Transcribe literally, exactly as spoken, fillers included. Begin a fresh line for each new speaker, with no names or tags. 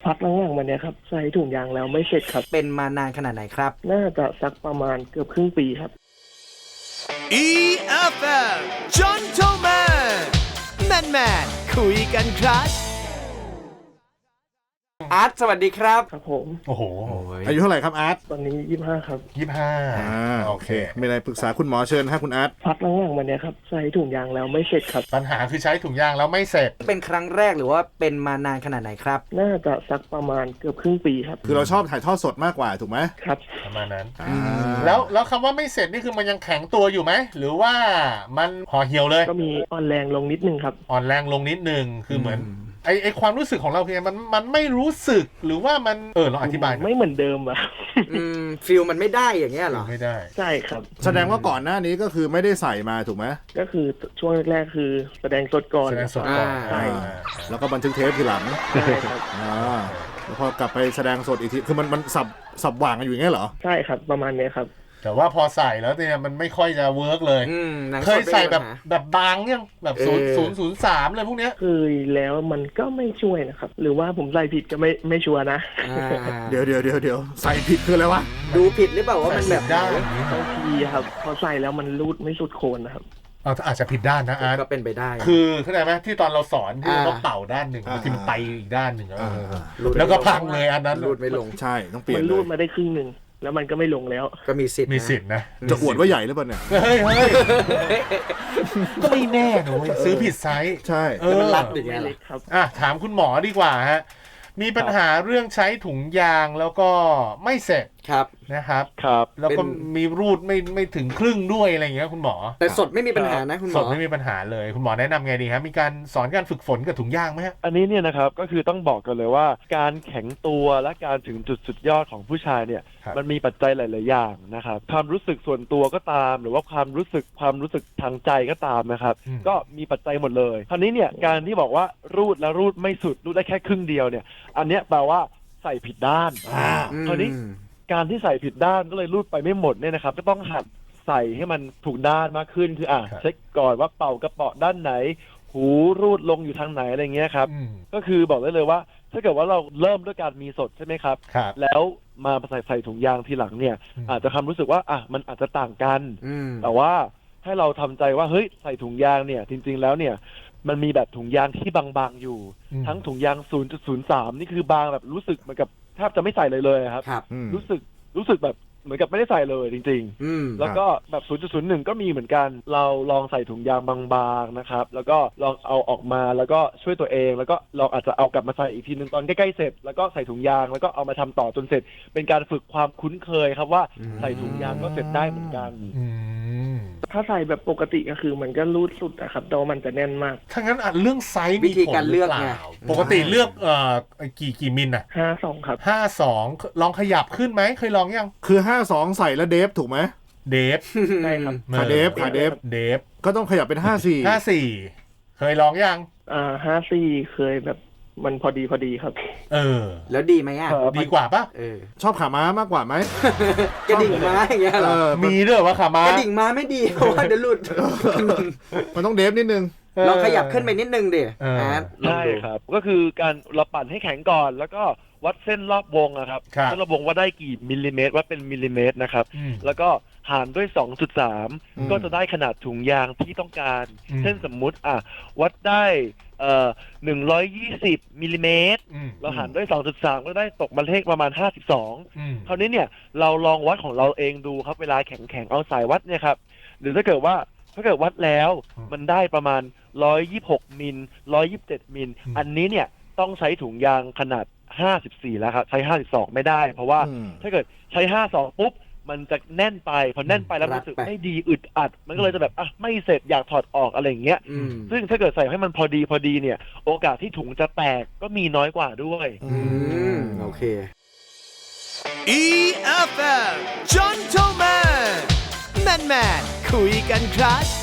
พักหลังๆมาเนี้ยครับใส่ถุงยางแล้วไม่เสร็จครับ
เป็นมานานขนาดไหนครับ
น่าจะสักประมาณเกือบครึ่งปีครับ
อี เอฟ เอ็ม Gentleman Man Man คุยกันครับ
อาร์ตสวัสดีครับ
ครับผม
โอ้โหอายุเท่าไหร่ครับอาร์ต
ตอนนี้ยี่สิบห้าครับ
ยี่สิบห้าอ่าโอเคมีอะไรปรึกษาคุณหมอเชิญฮะคุณอาร์ต
พักหลังๆมาเนี้ยครับใส่ถุงยางแล้วไม่เสร็จครับ
ปัญหาคือใช้ถุงยางแล้วไม่เสร็จ
เป็นครั้งแรกหรือว่าเป็นมานานขนาดไหนครับ
น่าจะสักประมาณเกือบครึ่งปีครับ
คือเราชอบถ่ายทอดสดมากกว่าถูกไหม
ครับ
ประมาณนั้นแล้วแล้วคำว่าไม่เสร็จนี่คือมันยังแข็งตัวอยู่ไหมหรือว่ามันห่อเหี่ยวเลย
ก็มีอ่อนแรงลงนิดนึงครับ
อ่อนแรงลงนิดนึงคือเหมือนไอไอความรู้สึกของเราคือมันมันไม่รู้สึกหรือว่ามันเออเราอธิบาย
ไม่เหมือนเดิมอะ
อืมฟีลมันไม่ได้อย่างเงี้ยเหรอ
ไม่ได้
ใช่ครับ
แสดงว่าก่อนหน้านี้ก็คือไม่ได้ใส่มาถูกไหม
ก็คือช่วงแรกๆคือแสดงสดก่อน
แสดงสดก่อน
ใช่
แล้วก็บันทึกเทปทีหลัง
ใช่ครับ
อ่าแล้วพอกลับไปแสดงสดอีกทีคือมันมันสับสับหว่างกันอยู่อย่างเงี้ยเหรอ
ใช่ครับประมาณนี้ครับ
แต่ว่าพอใส่แล้วเนี่ยมันไม่ค่อยจะเวิร์กเลยเคยใส่แบบแบบบางยังแบบศูนย์ศูนย์ศูนย์สามเลยพวกเนี้ย
เคยแล้วมันก็ไม่ช่วยนะครับหรือว่าผมใส่ผิดก็ไม่ไม่ชัวร์นะ
เดี๋ยวเดี๋ยวเดี๋ยวเดี๋ยวใส่ผิดคืออะไรวะ
ดูผิดหรือเปล่าว่ามันแบบ
ได้
บางทีครับพอใส่แล้วมันรูดไม่สุดโคนนะครับ
เอาอาจจะผิดด้านนะอาร์ต
ก็เป็นไปได้
คือเข้าใจไหมที่ตอนเราสอนที่เราเป่าด้านหนึ่งบางทีมันไปอีกด้านหนึ่งแล้วก็พังเลยอันนั้น
รูดไม่ลง
ใช่ต้องเปลี่ยน
มันรูดมาได้ครึ่งหนึ่งแล้วมันก็ไม่ลงแล้ว
ก็มีสิทธิ์
มีสิทธิ์นะจะอวดว่าใหญ่หรือเปล่าเนี่ยเฮ้ยเฮ้ยก็ไม่แน่นะเว้ยซื้อผิดไซส์
ใช่มันรัดอย่างเงี้ย
ครับ
อ่ะถามคุณหมอดีกว่าฮะมีปัญหาเรื่องใช้ถุงยางแล้วก็ไม่เสร็จ
ครับ
นะครับ
ครับ
แล้วก็มีรูดไม่ไม่ถึงครึ่งด้วยอะไรอย่างเงี้ยคุณหมอ
แต่สดไม่มีปัญหานะคุณหมอ
สดไม่มีปัญหาเลยคุณหมอแนะนำไงดีครับมีการสอนการฝึกฝนกับถุงยางไหมฮะ
อันนี้เนี่ยนะครับก็คือต้องบอกกันเลยว่าการแข็งตัวและการถึงจุดสุดยอดของผู้ชายเนี่ยมันมีปัจจัยหลายๆอย่างนะครับความรู้สึกส่วนตัวก็ตามหรือว่าความรู้สึกความรู้สึกทางใจก็ตามนะครับก็มีปัจจัยหมดเลยคราวนี้เนี่ยการที่บอกว่ารูดแล้วรูดไม่สุดรูดได้แค่ครึ่งเดียวเนี่ยอันเนี้ยแปลว่าใส่ผิดด้านคราวนี้การที่ใส่ผิดด้านก็เลยรูดไปไม่หมดเนี่ยนะครับก็ต้องหัดใส่ให้มันถูกด้านมากขึ้นคืออ่ะเช็คก่อนว่าเป่ากระเป๋าด้านไหนหูรูดลงอยู่ทางไหนอะไรเงี้ยครับก็คือบอกได้เลยว่าถ้าเกิดว่าเราเริ่มด้วยการมีสดใช่ไหมครับแล้วมาใส่ใส่ถุงยางทีหลังเนี่ยอาจจะความรู้สึกว่าอ่ะมันอาจจะต่างกันแต่ว่าให้เราทำใจว่าเฮ้ยใส่ถุงยางเนี่ยจริงๆแล้วเนี่ยมันมีแบบถุงยางที่บางๆอยู่ทั้งถุงยาง ศูนย์จุดศูนย์สาม นี่คือบางแบบรู้สึกเหมือนกับแทบจะไม่ใส่เลยเลยครับรู้สึกรู้สึกแบบเหมือนกับไม่ได้ใส่เลยจริงๆแล้วก็แบบ ศูนย์จุดศูนย์หนึ่ง ก็มีเหมือนกันเราลองใส่ถุงยางบางๆนะครับแล้วก็ลองเอาออกมาแล้วก็ช่วยตัวเองแล้วก็ลองอาจจะเอากลับมาใส่อีกทีนึงตอนใกล้ๆเสร็จแล้วก็ใส่ถุงยางแล้วก็เอามาทำต่อจนเสร็จเป็นการฝึกความคุ้นเคยครับว่าใส่ถุงยางก็เสร็จได้เหมือนกัน
ถ้าใส่แบบปกติก็คือมันก็รูดสุดอะครับแต่ว่ามันจะแน่นมาก
ถ้างั้นเรื่องไซส์
วิธีการเลือกไง
ปกติเลือกเอ่อกี่กี่มิลอะ
ห้าสองครับ
ห้าสองลองขยับขึ้นไหมเคยลองยังคือห้าสองใส่แล้วเดฟถูกไหมเดฟ
ใช่ครับ
ขาเดฟขาเดฟเดฟก็ต้องขยับเป็นห้าสี่ห้าสี่เคยลองยัง
อ่าห้าสี่เคยแบบมันพอดีพอดีครับ
เออ
แล้วดีไหมอ่ะ
ดีกว่าป่ะ
เออ
ชอบขาม้ามากกว่าไหม
กระดิ่งม้าอย่างเงี้ยเหรอ
มีด้วยว่าขาม้าก
ระดิ่งม้าไม่ดีเพราะว่าเดี๋ยวหลุด
มันต้องเดฟนิดนึง
ลองขยับขึ้นไปนิดนึงดิ
ใช่ครับก็คือการเราปั่นให้แข็งก่อนแล้วก็วัดเส้นรอบวงนะครับเส้นรอบวงว่าได้กี่มิลลิเมตรวัดเป็นมิลลิเมตรนะครับแล้วก็หารด้วย สองจุดสาม ก็จะได้ขนาดถุงยางที่ต้องการเช่นสมมุติอ่ะวัดได้เอ่อหนึ่งร้อยยี่สิบมิลลิเมตรเราหารด้วย สองจุดสาม ก็ได้ตกมาเลขประมาณห้าสิบสองคราวนี้เนี่ยเราลองวัดของเราเองดูครับเวลาแข็งๆเอาสายวัดเนี่ยครับหรือถ้าเกิดว่าถ้าเกิดวัดแล้วมันได้ประมาณหนึ่งร้อยยี่สิบหกมิลหนึ่งร้อยยี่สิบเจ็ดมิลอันนี้เนี่ยต้องใช้ถุงยางขนาดห้าสิบสี่แล้วครับใช้ห้าสิบสองไม่ได้เพราะว่าถ้าเกิดใช้ห้าสิบสองปุ๊บมันจะแน่นไปพอแน่นไปแล้วรู้สึกไม่ดีอึดอัดมันก็เลยจะแบบอ่ะไม่เสร็จอยากถอดออกอะไรอย่างเงี้ยซึ่งถ้าเกิดใส่ให้มันพอดีพอดีเนี่ยโอกาสที่ถุงจะแตกก็มีน้อยกว่าด้วย
อืมโอเค
อี เอฟ เอ็ม Gentleman Man Man คุยกันครับ